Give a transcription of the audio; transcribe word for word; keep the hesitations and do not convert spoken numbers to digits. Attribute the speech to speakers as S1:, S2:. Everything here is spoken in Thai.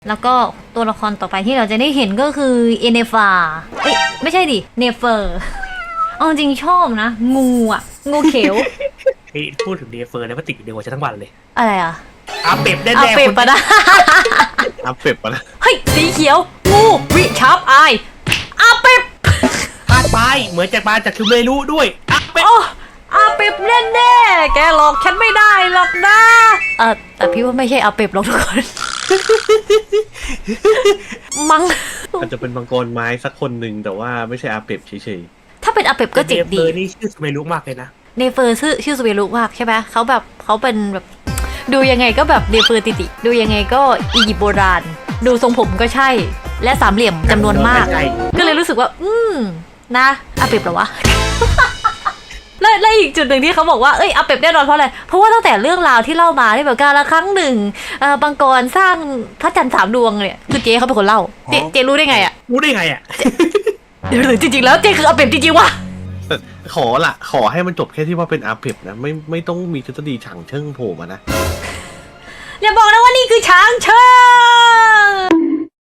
S1: แล้วก็ตัวละครต่อไปที่เราจะได้เห็นก็คือเอเนฟาเอ้ยไม่ใช่ดิเนเฟอร์เอาจริงชอบนะ งูอ่ะ งูเขียว
S2: เฮ้ยพูดถึงเดฟเฟอร์แล้วมันติดอยู่ในหัวฉันทั้งวันเลย
S1: อะไรอ่ะ
S2: อาเป็ดแน่ๆ
S1: เอาเป็ด
S2: คน
S1: ปะนะ
S3: อัพเป็ดปะนะ
S1: เฮ้ย สีเขียว งูวิชาร์ปอายอาเป็ด
S2: พลาดไปเหมือนจะมาจากคิวเมรุด้วยอาเป็ด
S1: โอ้อาเป็ดแน่ๆแกหลอกฉันไม่ได้หรอกนะเออแต่พี่ว่าไม่ใช่อาเป็ดหรอกทุกคน มัง
S3: อาจจะเป็นมังกรไม้สักคนหนึ่งแต่ว่าไม่ใช่อาเป็ดเฉย
S1: ถ้าเป็นอาเป็ดก็เจ๋ง
S2: เดฟเฟ
S1: ดี
S2: อร์นี่ชื่อคิวเมรุมากเลยนะ
S1: เนเฟอร์ชื่อชื่อสเวรุมากใช่ไหมเขาแบบเขาเป็นแบบดูยังไงก็แบบเนเฟอร์ติติดูยังไงก็อียิปต์โบราณ ดูทรงผมก็ใช่ และสามเหลี่ยมจำนวนมาก
S2: ใช่
S1: ก็เลยรู้สึกว่า อืมนะอาเป็ดเหรอวะ และและอีกจุดหนึ่งที่เขาบอกว่าเอ้ยอาเป็ดแน่นอนเพราะอะไรเพราะว่าตั้งแต่เรื่องราวที่เล่ามาที่แบบการละครั้งหนึ่งเอ่อบังกรสร้างพระจันทร์สามดวงเนี่ยคือเจ๊เขาเป็นคนเล่าเจ๊เจ๊รู้ได้ไงอ่ะ
S2: รู้ได้ไงอ่ะ
S1: หรือจริงๆแล้วเจ๊คืออาเป็ดจริงๆวะ
S3: ๆแต่ขอละขอให้มันจบแค่ที่ว่าเป็นอาเป็ดนะไม่ไม่ต้องมีทฤษฎีฉางเชิงโผล่มานะ
S1: อย่าบอกนะว่านี่คือช้างเชิง